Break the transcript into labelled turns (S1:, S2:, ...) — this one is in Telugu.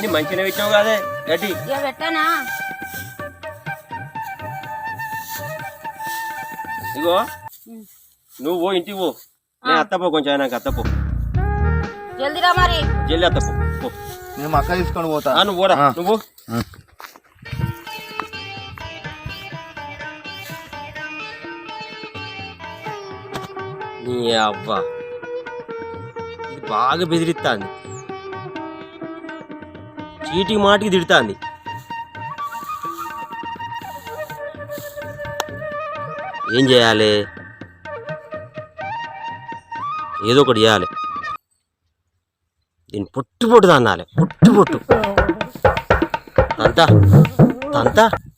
S1: అన్ని మంచిగా పెట్టావు కదే గడ్డి
S2: ఇక పెట్టానా
S1: ఇగో నువ్వు పో ఇంటికి పో నేను అత్తపో కొంచెం నాకు అత్తపో
S2: జల్దిరా మరి
S1: జల్లి అత్తపో పో
S3: నేను అక్క తీసుకొని పోతా
S1: నువ్వు పోరా నువ్వు నీ అవ్వ ఇది బాగా బెదిరిస్తాంది చీటికి మాటికి తిడుతాంది ఏం చేయాలి ఏదో ఒకటి చేయాలి దీన్ని పొట్టు పొట్టు తన్నాలి పొట్టు పొట్టు తంతా తంతా